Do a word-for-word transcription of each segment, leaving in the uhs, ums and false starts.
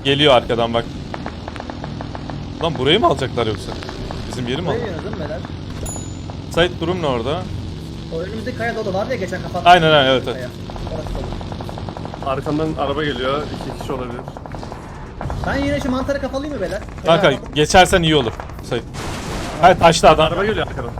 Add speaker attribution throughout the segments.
Speaker 1: Geliyor arkadan bak. Lan burayı mı alacaklar yoksa? Bizim yeri mi
Speaker 2: Buraya
Speaker 1: alacaklar?
Speaker 2: yöneldim beyler.
Speaker 1: Sait durum ne orada?
Speaker 2: O önümüzdeki kaya dolu vardı ya geçen kapattım.
Speaker 1: Aynen aynen evet evet.
Speaker 2: Kaya. Orası dolu.
Speaker 3: Arkamdan araba geliyor. İki kişi olabilir.
Speaker 2: Ben yine şu mantarı kapalayayım mı beyler?
Speaker 1: Kanka
Speaker 2: Kaya kapalı.
Speaker 1: geçersen iyi olur. Sait. Hayır taşlı adam.
Speaker 3: Araba geliyor arkadan.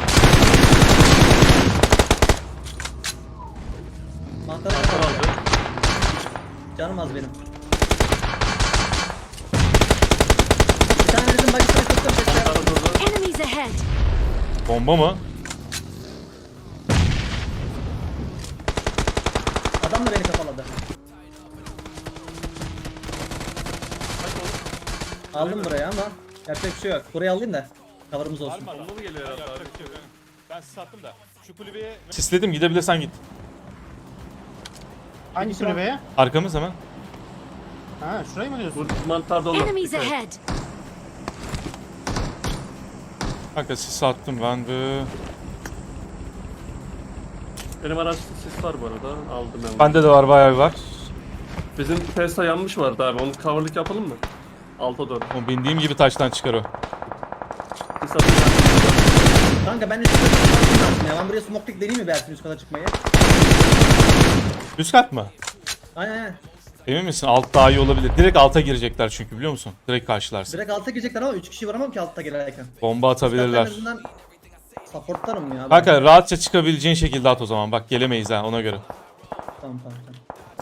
Speaker 2: Mantarı
Speaker 3: Arkadan
Speaker 2: kapalı.
Speaker 3: aldı.
Speaker 2: Canım az benim. Bir tane bizim bagisine tuttum.
Speaker 3: Arkadan durdu.
Speaker 4: Enemies ahead!
Speaker 1: Bomba mı?
Speaker 2: Adam da beni kapaladı. Aldım buraya ama yapacak bir şey yok. Burayı alayım da cover'ımız olsun.
Speaker 3: Bomba mı geliyor herhalde abi?
Speaker 1: Ben sattım da şu kulübeye... Sisledim gidebilirsen git.
Speaker 5: Hangi kulübeye?
Speaker 1: Arkamız hemen.
Speaker 5: Ha şurayı mı diyorsun?
Speaker 3: Bu mantar dolu.
Speaker 4: Enemies
Speaker 3: Dikkat et.
Speaker 4: ahead!
Speaker 1: Kanka sis attım ben de.
Speaker 3: Benim araçta sis var bu arada. Aldım ben.
Speaker 1: Bende de var bayağı bir var.
Speaker 3: Bizim Tesla yanmış vardı abi. Onu coverlık yapalım mı? Alta doğru.
Speaker 1: O bindiğim gibi taştan çıkar o.
Speaker 3: Sis atayım.
Speaker 2: Kanka ben üst kata çıkmam lazım ya. Ben buraya smoke pick deneyeyim mi Bersin üst kata çıkmayı?
Speaker 1: Üst kat mı?
Speaker 2: Aynen aynen.
Speaker 1: Emin misin? Alt daha iyi olabilir. Direkt alta girecekler çünkü biliyor musun? Direkt karşılarsın.
Speaker 2: Direkt alta girecekler ama üç kişi varamam ki altta gelirken.
Speaker 1: Bomba
Speaker 2: Hatta en
Speaker 1: atabilirler.
Speaker 2: azından supportlarım ya.
Speaker 1: Kanka rahatça çıkabileceğin şekilde at o zaman. Bak gelemeyiz ha ona göre.
Speaker 2: Tamam tamam tamam.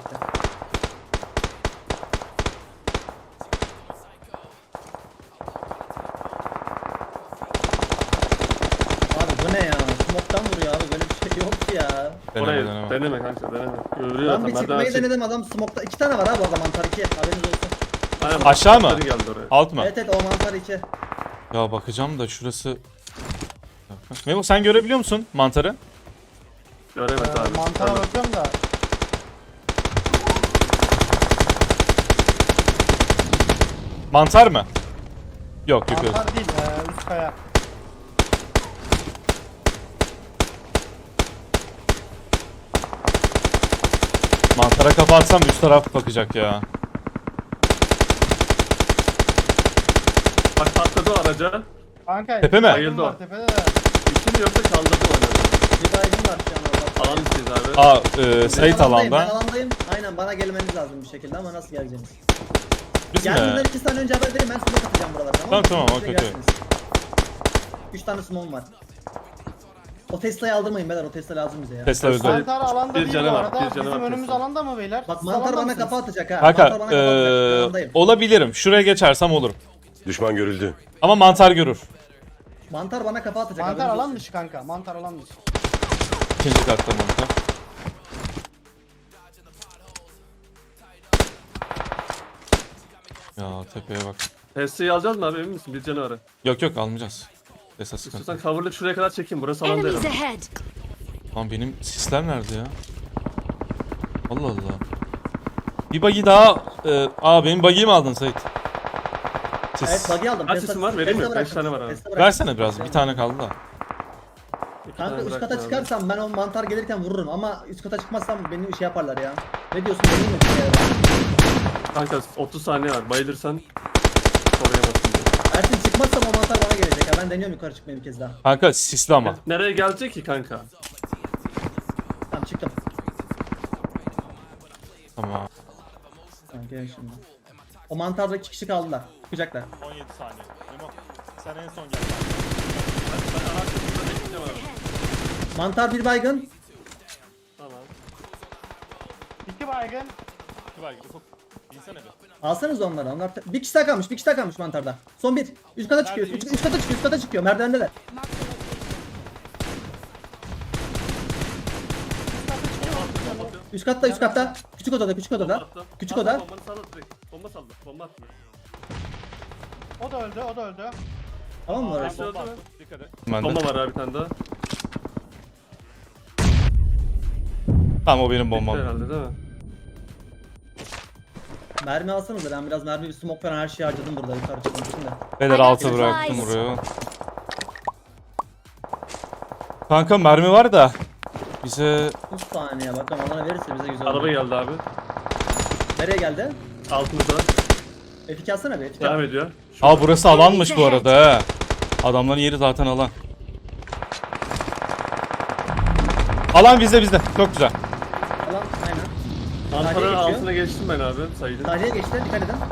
Speaker 2: Abi bu ne ya? Smoke'tan vuruyor abi. Böyle bir şey yok ya.
Speaker 1: Deneme
Speaker 3: Orayı
Speaker 1: deneme.
Speaker 3: deneme kanka deneme. Görüyor
Speaker 2: Ben bir
Speaker 3: zaten.
Speaker 2: çıkmayı
Speaker 3: Merdiven çık.
Speaker 2: denedim adam smoke'ta. İki tane var abi o zaman mantar iki. Haberiniz olsun.
Speaker 3: Aynen,
Speaker 1: Aşağı mı?
Speaker 3: mantarı geldi oraya.
Speaker 1: Alt mı?
Speaker 2: Evet evet o mantar iki.
Speaker 1: Ya bakacağım da şurası... Memo sen görebiliyor musun mantarı?
Speaker 3: Göremez
Speaker 5: Ee,
Speaker 3: abi.
Speaker 5: mantara bakıyorum da.
Speaker 1: Mantar mı? Yok yok yok.
Speaker 5: Mantar değil, ee, üst kaya.
Speaker 1: Mantara kafa atsam üst taraf bakacak ya.
Speaker 3: Bak patladı o araca.
Speaker 5: Kanka.
Speaker 1: Tepe mi?
Speaker 5: baygın
Speaker 3: Bayıldı
Speaker 5: var
Speaker 3: o.
Speaker 5: tepede de.
Speaker 3: İki mi yoksa kaldırdı mı oynadı?
Speaker 2: Bir baygın var şu an orada.
Speaker 3: Alan isteyiz abi.
Speaker 1: Aa e,
Speaker 2: Ben
Speaker 1: Sait
Speaker 2: alandayım, Ben
Speaker 1: alanda.
Speaker 2: alandayım. Aynen bana gelmeniz lazım bir şekilde ama nasıl geleceğiniz?
Speaker 1: Biz mi?
Speaker 2: Geldiğinden iki saniye önce haber verin ben smoke atacağım buralara tamam mı?
Speaker 1: Tamam, tamam,
Speaker 2: Siz de
Speaker 1: okey,
Speaker 2: gelsiniz. Üç tane smoke'um var. O Tesla'yı aldırmayın beyler o Tesla lazım bize ya.
Speaker 1: Tesla öldü.
Speaker 5: Mantar alanda
Speaker 3: Bir
Speaker 5: değil
Speaker 3: canı
Speaker 5: bu
Speaker 3: var,
Speaker 5: arada.
Speaker 3: bir canı
Speaker 5: Bizim
Speaker 3: var
Speaker 5: önümüz
Speaker 3: Tesla.
Speaker 5: alanda mı beyler?
Speaker 2: Bak
Speaker 5: Siz
Speaker 2: mantar
Speaker 5: alanda
Speaker 2: bana
Speaker 5: mısınız?
Speaker 2: kafa atacak ha.
Speaker 1: Kanka
Speaker 2: mantar bana kafa atacak.
Speaker 1: e,
Speaker 2: Yanındayım.
Speaker 1: olabilirim. Şuraya geçersem olurum.
Speaker 6: Düşman görüldü.
Speaker 1: Ama mantar görür.
Speaker 2: Mantar bana kafa atacak.
Speaker 5: Mantar
Speaker 2: haberiniz
Speaker 5: alan
Speaker 2: olsun.
Speaker 5: dışı kanka. Mantar alan dışı.
Speaker 1: İkinci katta mantar. Ya tepeye bak.
Speaker 3: Tesla'yı alacağız mı abi emin misin? Bir canı var.
Speaker 1: Yok yok almayacağız. Tesla sıkıntı.
Speaker 3: İstiyorsan coverlık şuraya kadar çekeyim. Burası alan değil.
Speaker 4: Enemies ahead!
Speaker 1: Lan benim sisler nerede ya? Allah Allah. Bir buggy daha... E, aa benim buggy'yi mi aldın Sait? Sis.
Speaker 2: Evet bug'i aldım.
Speaker 3: Kaç
Speaker 2: Tesla-
Speaker 3: isim var? Vereyim mi?
Speaker 2: Tesla
Speaker 3: Beş
Speaker 2: bıraktım.
Speaker 3: tane var abi.
Speaker 2: Tesla bıraktım.
Speaker 1: Versene biraz. Bir tane kaldı da.
Speaker 3: İki
Speaker 2: Kanka
Speaker 3: tane
Speaker 2: üst
Speaker 3: bıraktım
Speaker 2: kata
Speaker 3: abi.
Speaker 2: çıkarsam ben o mantar gelirken vururum ama üst kata çıkmazsam beni şey yaparlar ya. Ne diyorsun deneyim mi?
Speaker 3: Kanka otuz saniye var. Bayılırsan koruyamazsın diye.
Speaker 2: Ersin çıkmazsam o mantar bana gelecek ya. Ben deniyorum yukarı çıkmayı bir kez daha.
Speaker 1: Kanka sisli ama.
Speaker 3: Nereye gelecek ki kanka?
Speaker 2: Tamam çıktım.
Speaker 1: Tamam.
Speaker 2: Tamam gel şimdi. O mantarda iki kişi kaldılar. Çıkacaklar.
Speaker 1: on yedi saniye. Memo sen en son gel.
Speaker 2: Mantar bir baygın.
Speaker 3: Tamam.
Speaker 5: İki baygın.
Speaker 1: İnsene bir.
Speaker 2: Alsanız onları. Onlar bir kişi daha kalmış. Bir kişi daha kalmış mantarda. Son bir. Üst kata çıkıyor. Üst, üst kata çıkıyor. Üst kata çıkıyor. Merdivendeler. Üst katta, üst katta. Küçük odada, küçük odada.
Speaker 3: Attı.
Speaker 2: Küçük
Speaker 3: Attı,
Speaker 2: oda.
Speaker 3: Bombanı salla direkt. Bomba saldı. Bomba attı.
Speaker 5: O da öldü, o da öldü.
Speaker 2: Tamam mı orası?
Speaker 3: Hepsi öldü mü?
Speaker 1: Ben de.
Speaker 3: Bomba var abi bir tane daha.
Speaker 1: Tamam o benim
Speaker 3: Bitti
Speaker 1: bombam.
Speaker 3: herhalde değil mi?
Speaker 2: Mermi alsanız da ben biraz mermi bir smoke falan her şeyi harcadım burada yukarı çıkmak için de.
Speaker 1: Beyler
Speaker 4: I got
Speaker 1: altı
Speaker 4: supplies.
Speaker 1: bıraktım buraya. Kanka mermi var da bize
Speaker 2: üç saniye bakalım alana verirse bize güzel olur.
Speaker 3: Araba geldi abi.
Speaker 2: Nereye geldi?
Speaker 3: Altımızda.
Speaker 2: F iki alsana bir. F iki
Speaker 3: Devam
Speaker 2: al.
Speaker 3: ediyor.
Speaker 1: Aa burası alanmış bu arada he. Adamların yeri zaten alan. Alan bizde bizde. Çok güzel.
Speaker 2: Alan aynen.
Speaker 3: Mantarın
Speaker 2: Sahaya geçiyor.
Speaker 3: altına geçtim ben abi sayıyla.
Speaker 2: Sahaya geçti. Dikkat edin.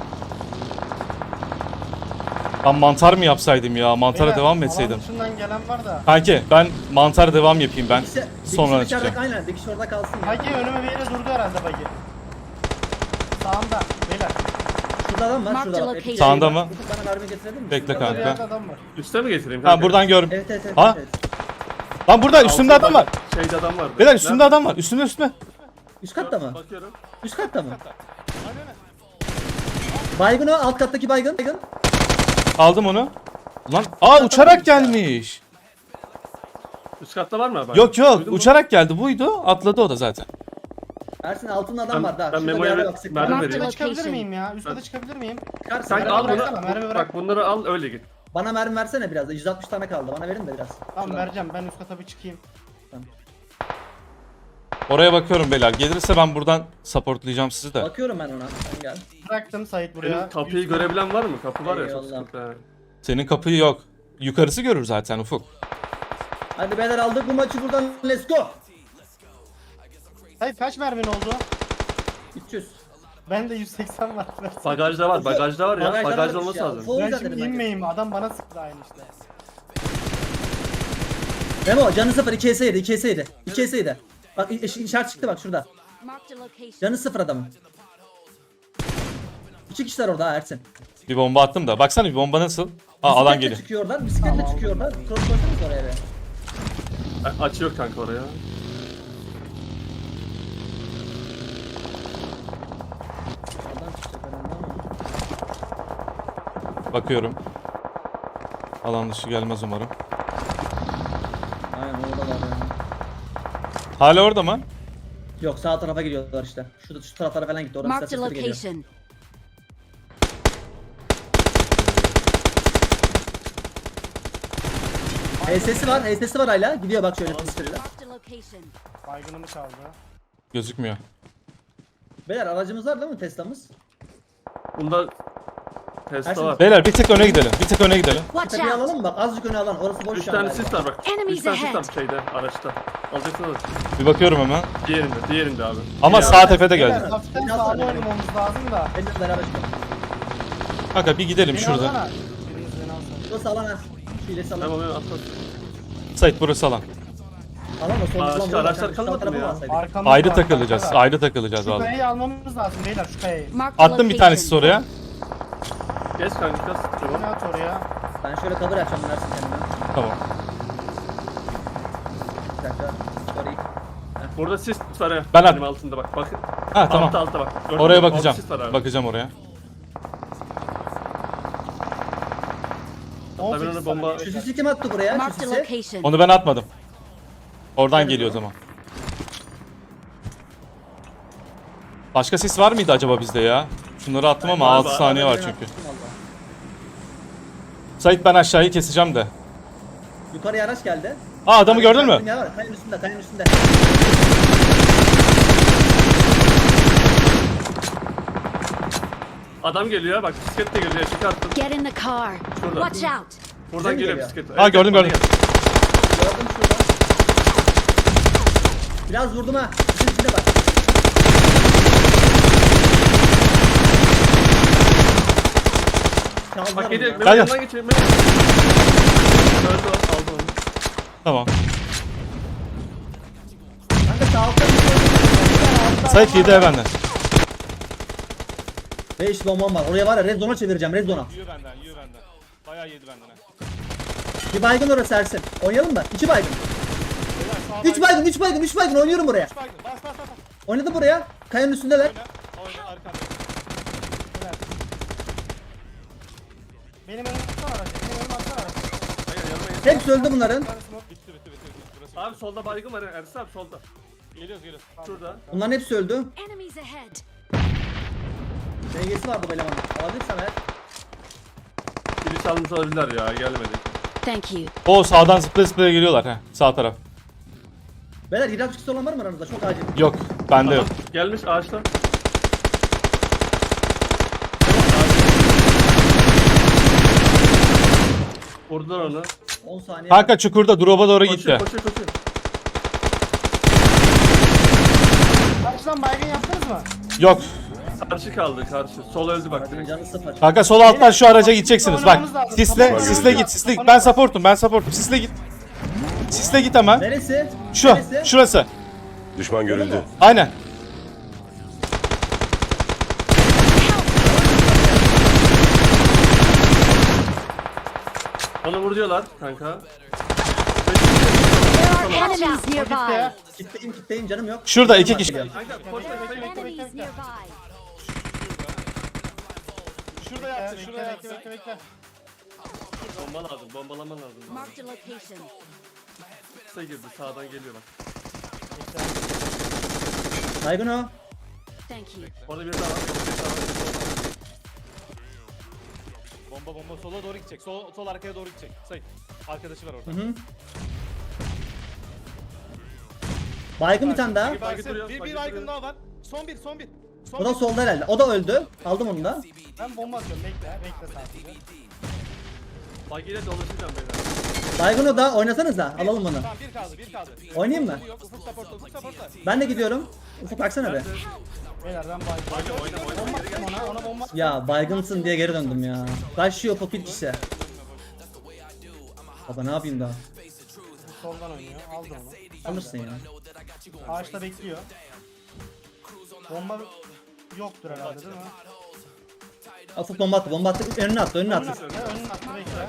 Speaker 1: Ben mantar mı yapsaydım ya? Mantara
Speaker 5: Beyler,
Speaker 1: devam mı
Speaker 5: alan
Speaker 1: etseydim?
Speaker 5: dışından gelen var da.
Speaker 1: Kanki ben mantar devam yapayım ben.
Speaker 2: Dikişi,
Speaker 1: Sonra
Speaker 2: dikişi içeride
Speaker 1: çıkacağım.
Speaker 2: aynen. Dikiş orada kalsın ya.
Speaker 5: Bagi önüme bir yere durdu herhalde Bagi. Sağımda. Beyler.
Speaker 2: Şurada adam var.
Speaker 4: Marked
Speaker 2: Şurada bak.
Speaker 4: location.
Speaker 2: F iki
Speaker 1: Sağında
Speaker 2: var.
Speaker 1: mı?
Speaker 2: Ufuk bana mermi getirebilir misin?
Speaker 1: Bekle
Speaker 5: Orada bir yerde
Speaker 1: kanka.
Speaker 5: adam var.
Speaker 3: Üste mi getireyim?
Speaker 1: Ha
Speaker 3: kanka?
Speaker 1: buradan gör.
Speaker 2: Evet evet evet.
Speaker 1: Ha?
Speaker 2: evet.
Speaker 1: Lan burada üstümde
Speaker 3: Altında
Speaker 1: adam var.
Speaker 3: Şeyde adam vardı.
Speaker 1: Beyler üstümde
Speaker 3: Nerede?
Speaker 1: adam var. Üstümde üstümde.
Speaker 2: Üst katta mı?
Speaker 3: Bakıyorum.
Speaker 2: Üst katta mı? Baygın o. Alt kattaki baygın. Baygın.
Speaker 1: Aldım onu. Lan aa uçarak gelmiş.
Speaker 3: Üst katta var mı abi?
Speaker 1: Yok yok
Speaker 3: Duydun mu?
Speaker 1: uçarak geldi buydu. Atladı o da zaten.
Speaker 2: Ersin altında adam
Speaker 3: Ben-
Speaker 2: var daha.
Speaker 3: ben
Speaker 2: Şurada
Speaker 3: Memo'ya
Speaker 2: bir yerde
Speaker 3: ver-
Speaker 2: bak, sık.
Speaker 3: mermi
Speaker 4: Marked
Speaker 3: vereyim.
Speaker 5: Üste çıkabilir
Speaker 4: location.
Speaker 5: miyim ya? Üste de çıkabilir miyim?
Speaker 2: Çıkarsın.
Speaker 3: Sen
Speaker 2: Mermi
Speaker 3: al bunu.
Speaker 2: bıraksana.
Speaker 5: mermi bırak.
Speaker 3: Bak bunları al öyle git.
Speaker 2: Bana mermi versene biraz da. yüz altmış tane kaldı. Bana verin de biraz.
Speaker 5: Tamam
Speaker 2: Şuradan.
Speaker 5: vereceğim. Ben üst kata bir çıkayım.
Speaker 1: Oraya bakıyorum beyler. Gelirse ben buradan supportlayacağım sizi de.
Speaker 2: Bakıyorum ben ona. Sen gel.
Speaker 5: Bıraktım Sait buraya.
Speaker 3: Benim kapıyı görebilen var mı? Kapı var ya çok
Speaker 2: Eyvallah.
Speaker 3: sıkıntı. ha.
Speaker 1: Senin kapıyı yok. Yukarısı görür zaten Ufuk.
Speaker 2: Hadi beyler aldık bu maçı buradan. Let's go.
Speaker 5: Sait kaç mermin oldu?
Speaker 2: üç yüz.
Speaker 5: Ben de yüz seksen var.
Speaker 3: Bagajda var, bagajda var ya.
Speaker 2: Bagajda
Speaker 3: Bagajda
Speaker 2: varmış
Speaker 3: olması
Speaker 2: ya.
Speaker 3: lazım.
Speaker 2: Ufuk- O
Speaker 5: Ben
Speaker 2: yüzden
Speaker 5: şimdi
Speaker 2: dedim ben.
Speaker 5: inmeyeyim. Adam bana sıktı aynı işte.
Speaker 2: Memo canı sıfır. iki S yedi. iki S yedi. iki S yedi. Bak iş- işaret çıktı bak şurada.
Speaker 4: Marked a location.
Speaker 2: Canı sıfır adamın. İki kişiler orada ha Ersin.
Speaker 1: Bir bomba attım da. Baksana bir bomba nasıl? Aa alan
Speaker 2: Bisikletle
Speaker 1: geliyor.
Speaker 2: çıkıyorlar. Bisikletle
Speaker 5: Tamam.
Speaker 2: çıkıyorlar. Cross koydunuz oraya be.
Speaker 3: A- Açıyor kanka oraya.
Speaker 2: Oradan çıkacak herhalde ama.
Speaker 1: Bakıyorum. Alan dışı gelmez umarım.
Speaker 2: Aynen oradalar yani.
Speaker 1: Hala orada mı?
Speaker 2: Yok sağ tarafa gidiyorlar işte. Şurada şu taraflara falan gitti. Oradan
Speaker 4: Marked a
Speaker 2: size sesleri geliyor.
Speaker 4: location.
Speaker 2: H S'si var. H S'si var hala. Gidiyor bak şöyle pistirle.
Speaker 4: Marked a location.
Speaker 5: Baygınımı çaldı.
Speaker 1: Gözükmüyor.
Speaker 2: Beyler aracımız var değil mi Tesla'mız?
Speaker 3: Bunda Tesla
Speaker 2: Ersin,
Speaker 3: var.
Speaker 1: Beyler bir tık öne gidelim. Bir tık öne gidelim.
Speaker 4: Watch
Speaker 2: Tepeye
Speaker 4: out.
Speaker 2: alalım mı bak? Azıcık öne alan. Orası boş
Speaker 3: Üç
Speaker 2: şu an
Speaker 3: tane
Speaker 2: galiba.
Speaker 3: sis var bak.
Speaker 4: Enemies
Speaker 3: Üç tane sis
Speaker 4: ahead.
Speaker 3: var şeyde, araçta. Alacaksınız.
Speaker 1: Bir bakıyorum hemen.
Speaker 3: Diğerinde, diğerinde abi.
Speaker 1: Ama
Speaker 3: Diğer-
Speaker 1: sağ tepede
Speaker 5: Beyler,
Speaker 1: geldi.
Speaker 5: hafiften
Speaker 2: Beni
Speaker 5: sağda
Speaker 2: alsana.
Speaker 5: oynamamız lazım da.
Speaker 2: Benimle beraber çıkalım.
Speaker 1: Kanka bir gidelim
Speaker 5: Beni
Speaker 1: şurada.
Speaker 5: alsana. Biriniz beni alsana.
Speaker 2: Şurası alan ha. Şu ilerisi alan.
Speaker 3: Tamam evet atla.
Speaker 1: Sait burası alan.
Speaker 2: Alan da son
Speaker 3: Başka
Speaker 2: son burada.
Speaker 3: araçlar
Speaker 2: Şu
Speaker 3: kalmadı
Speaker 2: tarafa
Speaker 3: mı ya?
Speaker 2: alsaydık.
Speaker 5: Arkamda
Speaker 1: Ayrı
Speaker 5: var,
Speaker 1: takılacağız.
Speaker 5: arkada.
Speaker 1: Ayrı takılacağız
Speaker 5: Şu
Speaker 1: vallahi.
Speaker 5: kayayı almamız lazım beyler şu kayayı.
Speaker 4: Marked a
Speaker 1: Attım bir tanesi
Speaker 4: location.
Speaker 1: oraya.
Speaker 3: Geç kanka biraz sıkıntı
Speaker 5: Ne
Speaker 3: var.
Speaker 5: at oraya?
Speaker 2: Ben şöyle cover açacağım Ersin kendime.
Speaker 1: Tamam.
Speaker 2: Bir dakika. Sorry.
Speaker 3: Burada sis var ya.
Speaker 1: Ben at-
Speaker 3: Benim altında bak. Bak.
Speaker 1: Ha tamam.
Speaker 3: Altta altta bak. Gördün
Speaker 1: Oraya
Speaker 3: mü? Orada
Speaker 1: bakacağım.
Speaker 3: sis var abi.
Speaker 1: Bakacağım oraya.
Speaker 5: on
Speaker 3: ben
Speaker 5: sekiz
Speaker 3: onu bomba-
Speaker 5: saniye.
Speaker 2: Şu sisi kim attı buraya? Şu
Speaker 4: Marked a
Speaker 2: sisi.
Speaker 4: location.
Speaker 1: Onu ben atmadım. Oradan geliyor o zaman. Başka sis var mıydı acaba bizde ya? Şunları attım ama
Speaker 3: Var,
Speaker 1: altı
Speaker 3: var.
Speaker 1: saniye var
Speaker 2: Ben
Speaker 1: çünkü.
Speaker 2: attım vallahi.
Speaker 1: Sait ben aşağıyı keseceğim de.
Speaker 2: Yukarıya araç geldi.
Speaker 1: Aa adamı gördün mü?
Speaker 2: Ne var? Kayanın üstünde, kayanın üstünde.
Speaker 3: Adam geliyor bak bisiklet de geliyor. Çıkarttım.
Speaker 4: Get in the car.
Speaker 3: Şurada.
Speaker 4: Watch out.
Speaker 3: Buradan
Speaker 2: mi
Speaker 3: geliyor
Speaker 2: geliyor?
Speaker 3: bisiklet.
Speaker 1: Aa, gördüm,
Speaker 3: bana
Speaker 1: gördüm.
Speaker 3: geldi.
Speaker 2: Gördüm şurada. Biraz vurdum ha. Bizim içinde bak. Çaldılar
Speaker 3: Bak
Speaker 2: onu
Speaker 3: geliyor.
Speaker 2: ya.
Speaker 3: Benim
Speaker 1: Gel,
Speaker 3: yanından geçiyor. Benim- Öldü o. Aldım onu.
Speaker 1: Tamam.
Speaker 2: Kanka sağ altta bir şey yok.
Speaker 1: Sait yedi benden.
Speaker 2: Beş bombam var. Oraya var ya red zone'a çevireceğim. Red zone'a.
Speaker 1: Yiyor benden, yiyor benden. Bayağı yedi benden.
Speaker 2: Bir baygın orası Ersin. Oynayalım mı? İki baygın. Üç baygın, üç baygın, üç baygın. Oynuyorum buraya.
Speaker 1: Bas bas bas.
Speaker 2: Oynadım buraya. Kayanın üstündeler.
Speaker 1: Oyna arkanda.
Speaker 5: Benim önüme atsana aracı. Benim önüme atsana aracı.
Speaker 3: Hayır yanıma gel.
Speaker 2: Hepsi öldü bunların.
Speaker 1: Bitti bitti bitti. bitti. Burası.
Speaker 3: Abi solda baygın var ya. Ersin abi solda.
Speaker 1: Geliyoruz geliyoruz.
Speaker 3: Şurada.
Speaker 2: Bunların hepsi öldü.
Speaker 4: Enemies ahead.
Speaker 2: D G'si vardı bu elemanın. Alabilirsen eğer.
Speaker 3: Biri çalmış olabilirler ya. Gelmedi.
Speaker 4: Thank you.
Speaker 1: O sağdan zıplaya zıplaya geliyorlar ha. Sağ taraf.
Speaker 2: Beyler yedi altmış olan var mı aranızda? Çok acil.
Speaker 1: Yok. Bende yok.
Speaker 3: Gelmiş ağaçta. Vurdular onu.
Speaker 2: on saniye.
Speaker 1: Kanka çukurda drop'a doğru gitti.
Speaker 3: Koşuyor koşuyor koşuyor.
Speaker 5: Karşıdan baygın yaptınız mı?
Speaker 1: Yok.
Speaker 3: Karşı kaldı karşı. Sol öldü bak
Speaker 2: Baygının
Speaker 3: direkt.
Speaker 2: canı sıfır.
Speaker 1: Kanka sol alttan şu araca gideceksiniz. Bak.
Speaker 5: Oynamamız lazım.
Speaker 1: Sisle,
Speaker 5: Tamam.
Speaker 1: sisle git, sisle git. Ben supportum, ben supportum. Sisle git. Sisle git hemen.
Speaker 2: Neresi?
Speaker 1: Şu,
Speaker 2: Neresi?
Speaker 1: şurası.
Speaker 6: Düşman görüldü.
Speaker 1: Aynen.
Speaker 3: Onu vuruyorlar kanka.
Speaker 4: There are enemies
Speaker 5: Gitti
Speaker 4: nearby.
Speaker 5: ya.
Speaker 2: Kitleyim kitleyim canım yok.
Speaker 1: Şurada iki kişi.
Speaker 2: Geliyor.
Speaker 3: Kanka koş koş koş.
Speaker 4: Enemies nearby.
Speaker 5: Şurada yattı, şurada yattı. Bekle, bekle, bekle.
Speaker 3: Bomba lazım, bombalama lazım.
Speaker 4: Marked a location.
Speaker 3: Kısa girdi, sağdan geliyor bak.
Speaker 2: Baygın o.
Speaker 4: Thank you.
Speaker 3: Orada bir daha var. Bir daha var.
Speaker 7: Bomba bomba sola doğru gidecek. Sol, sol arkaya doğru gidecek. Sayın. Arkadaşı var orada.
Speaker 2: Hı hı. Baygın bir tane daha.
Speaker 7: Bir,
Speaker 3: Bagi
Speaker 7: baygın,
Speaker 3: duruyor,
Speaker 7: bir,
Speaker 3: bagi
Speaker 7: bir baygın
Speaker 3: duruyor.
Speaker 7: daha var. Son bir, son bir. Son
Speaker 2: O da
Speaker 7: bir.
Speaker 2: solda herhalde. O da öldü. Aldım onu da.
Speaker 5: Ben bomba atıyorum. Bekle, bekle sadece.
Speaker 3: Bagiyle dolaşacağım beyler.
Speaker 2: Baygın o da. Oynasanız da. Alalım bunu.
Speaker 7: Tamam bir kaldı, bir kaldı.
Speaker 2: Oynayayım mı?
Speaker 7: Yok, ufuk supportla, ufuk supportla.
Speaker 2: Ben de gidiyorum. Ufuk baksana be.
Speaker 5: Beyler ben baygın.
Speaker 3: Oyna oyna
Speaker 5: Bomba
Speaker 3: geri
Speaker 5: attım
Speaker 3: gel.
Speaker 5: ona, ona bomba attım.
Speaker 2: Ya baygınsın diye geri döndüm ya. Kaçıyor Ufuk bir kişi. Baba ne yapayım daha?
Speaker 5: Soldan oynuyor. Aldım onu.
Speaker 2: Alırsın ya.
Speaker 5: Ağaçta bekliyor. Bomba yoktur herhalde değil mi?
Speaker 2: Ufuk bomba attı. Bomba attı. Önüne attı. Önüne
Speaker 5: Önüne
Speaker 2: attı.
Speaker 5: attı, önüne attı, bekle.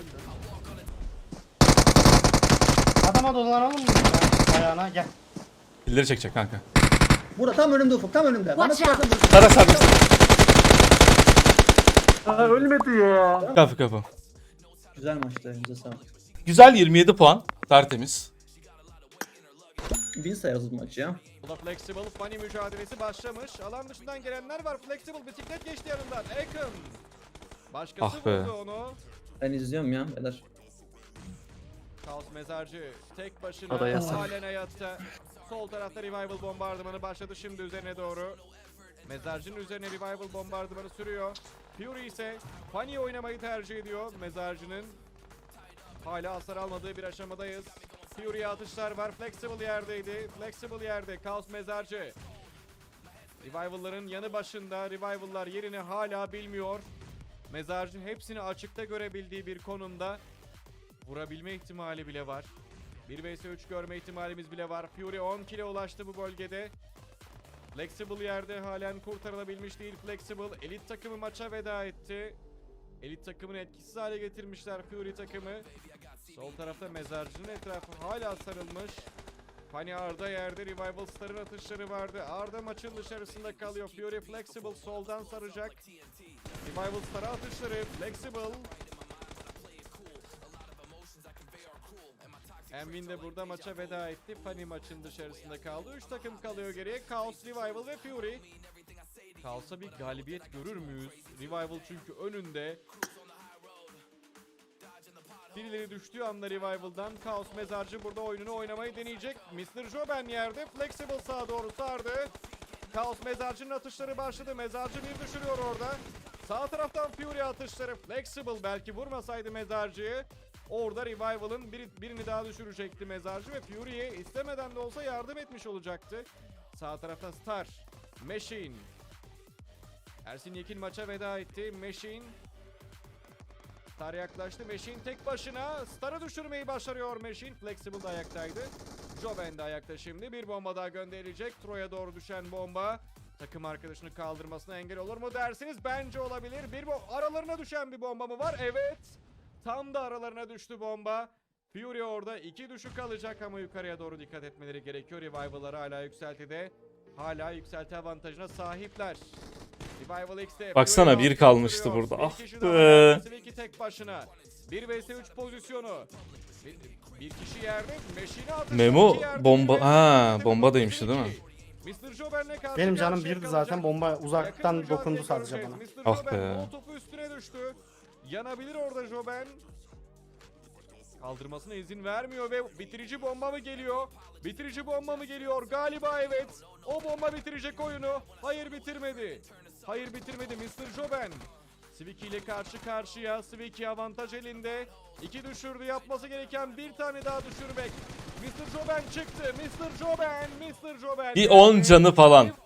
Speaker 5: Adama dolanalım mı ya? Ayağına gel.
Speaker 1: Pilleri çekecek kanka.
Speaker 2: Burada tam önümde Ufuk. Tam önümde. Bana
Speaker 4: Watch
Speaker 2: sıkarsan vurursun.
Speaker 1: Sara sar.
Speaker 3: Aa ölmedi ya.
Speaker 1: Kapı kapı.
Speaker 2: Güzel maçtı. Elinize sağlık.
Speaker 1: Güzel yirmi yedi puan. Tertemiz.
Speaker 2: Bin sayarız bu maçı ya.
Speaker 8: Burada Flexible Funny mücadelesi başlamış. Alan dışından gelenler var. Flexible bisiklet geçti yanından. Akın. Başkası
Speaker 1: Ah be.
Speaker 8: vurdu onu.
Speaker 2: Ben izliyorum ya. Beyler.
Speaker 8: Kaos Mezarcı tek
Speaker 3: O da
Speaker 8: başına
Speaker 3: yasak.
Speaker 8: halen hayatta. Sol tarafta Revival bombardımanı başladı şimdi üzerine doğru. Mezarcı'nın üzerine Revival bombardımanı sürüyor. Fury ise Funny oynamayı tercih ediyor. Mezarcı'nın hala hasar almadığı bir aşamadayız. Fury'ye atışlar var. Flexible yerdeydi. Flexible yerde. Kaos Mezarcı. Revival'ların yanı başında. Revival'lar yerini hala bilmiyor. Mezarcı hepsini açıkta görebildiği bir konumda vurabilme ihtimali bile var. bir vs üç görme ihtimalimiz bile var. Fury on kill'e ulaştı bu bölgede. Flexible yerde halen kurtarılabilmiş değil. Flexible elit takımı maça veda etti. Elit takımını etkisiz hale getirmişler Fury takımı. Sol tarafta Mezarcı'nın etrafı hala sarılmış. Funny Arda yerde, Revival Star'ın atışları vardı. Arda maçın dışarısında kalıyor. Fury Flexible soldan saracak. Revival Star'a atışları. Flexible. Envin de burada maça veda etti. Funny maçın dışarısında kaldı. üç takım kalıyor geriye. Chaos, Revival ve Fury. Chaos'a bir galibiyet görür müyüz? Revival çünkü önünde. Birileri düştüğü anda Revival'dan Chaos Mezarcı burada oyununu oynamayı deneyecek. mister Joben yerde. Flexible sağa doğru sardı. Chaos Mezarcı'nın atışları başladı. Mezarcı bir düşürüyor orada. Sağ taraftan Fury atışları. Flexible belki vurmasaydı Mezarcı'yı. Orada Revival'ın bir, birini daha düşürecekti Mezarcı ve Fury'ye istemeden de olsa yardım etmiş olacaktı. Sağ tarafta Star, Machine. Ersin Yekin maça veda etti. Machine. Star yaklaştı. Machine tek başına Star'ı düşürmeyi başarıyor Machine. Flexible de ayaktaydı. Joben de ayakta şimdi. Bir bomba daha gönderilecek. Troy'a doğru düşen bomba takım arkadaşını kaldırmasına engel olur mu dersiniz? Bence olabilir. Bir bo aralarına düşen bir bomba mı var? Evet. Tam da aralarına düştü bomba. Fury orada iki düşük kalacak ama yukarıya doğru dikkat etmeleri gerekiyor. Revival'ları hala yükseltide. Hala yükselti avantajına sahipler. Revival X'te.
Speaker 1: Baksana,
Speaker 8: Fury
Speaker 1: bir kalmıştı
Speaker 8: sürüyor.
Speaker 1: burada.
Speaker 8: Bir
Speaker 1: Ah
Speaker 8: kişi
Speaker 1: be.
Speaker 8: daha var. Silky tek başına. bir vs üç pozisyonu. Bir, bir kişi yerde. Meşine atışlar.
Speaker 1: Memo
Speaker 8: iki yerde.
Speaker 1: bomba-
Speaker 8: Bir vs
Speaker 1: ha,
Speaker 8: üç
Speaker 1: bomba demişti değil mi?
Speaker 8: mister Joben'le karşı
Speaker 5: Benim canım
Speaker 8: karşıya
Speaker 5: birdi
Speaker 8: kalacak.
Speaker 5: zaten, bomba uzaktan
Speaker 8: Yakın
Speaker 5: dokundu
Speaker 8: mücadele
Speaker 5: sadece
Speaker 8: göreceğiz.
Speaker 5: bana.
Speaker 8: mister
Speaker 1: Ah
Speaker 8: Joben
Speaker 1: be.
Speaker 8: Molotov'u üstüne düştü. Yanabilir orada Joben. Kaldırmasına izin vermiyor ve bitirici bomba mı geliyor? Bitirici bomba mı geliyor? Galiba evet. O bomba bitirecek oyunu. Hayır bitirmedi. Hayır bitirmedi mister Joben. Sviki ile karşı karşıya. Sviki avantaj elinde. İki düşürdü. Yapması gereken bir tane daha düşürmek. mister Joben çıktı. mister Joben. mister Joben.
Speaker 1: Bir on canı falan.